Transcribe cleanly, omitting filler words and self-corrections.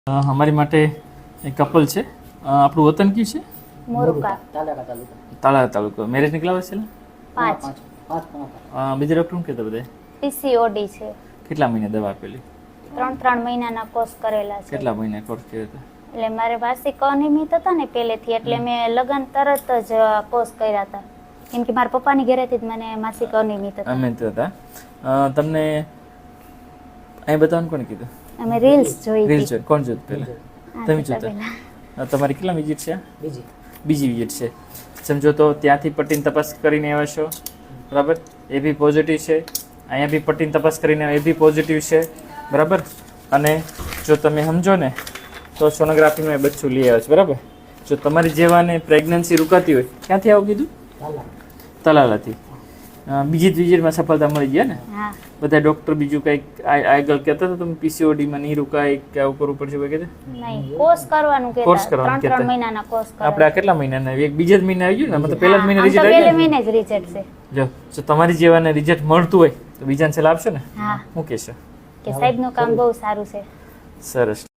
અમારી માટે એક કપલ છે. આપણું વતન કયું છે? મોરુકા તાળા તાલુકો. મેરેજ નીકળ્યા હોય છે? 5 બીજા ડૉક્ટર શું કહેતા બધા? પીસીઓડી છે. કેટલા મહિને દવા આપેલી? 3 મહિનાના કોર્સ કરેલા છે. કેટલા મહિને કોર્સ કર્યો હતો? એટલે મારે માસિક અનિયમિત હતા ને પહેલેથી, એટલે મેં લગ્ન તરત જ કોર્સ કર્યા હતા, કેમ કે મારા પપ્પાની ઘરેથી જ મને માસિક અનિયમિત હતા. અમે તો હતા. તમને અહીં બતાવવાનું કોને કીધું? અમે રીલ્સ જોઈ રીલ હતી. જોઈ. કોણ જોયું પહેલા? તમે જોતા? તમારી કેટલા વિઝિટ છે? બીજી વિઝિટ છે. સમજો તો ત્યાંથી પટ્ટીની તપાસ કરીને આવ્યા છો, બરાબર? એ બી પોઝિટિવ છે. અહીંયા બી પટ્ટીની તપાસ કરીને એ બી પોઝિટિવ છે, બરાબર? અને જો તમે સમજો ને તો સોનોગ્રાફીમાં એ બચ્ચું લઈ આવ્યો છે, બરાબર? જો તમારી જેવાને પ્રેગ્નન્સી રૂકાતી હોય, ક્યાંથી આવું કીધું? તલાલાથી. બીજી જ વિઝિટમાં સફળતા મળી ગયા ને? હા, બધા ડૉક્ટર બીજું કંઈક આગળ કહેતા હતા તમે પીસીઓડીમાં નહીં રૂકાય કે આવું કરવું પડશે વગેરે? નહીં, કોર્સ કરવાનું કોર્સ કહેતા. કરવાનું 3 કહેતા. મહિનાના કોર્સ આપણે આ કેટલા મહિનાના? એક બીજા જ મહિને આવી ગયું ને? મતલબ પહેલા જ મહિને રિઝલ્ટ પહેલે આવી ગયું ને? મહિને જ રિઝલ્ટ છે. જો તમારી જેવાને રિઝલ્ટ મળતું હોય તો બીજાને સલાહ આપશો ને? હા, શું કહેશો? કે સાહેબનું કામ બહુ સારું છે. સરસ.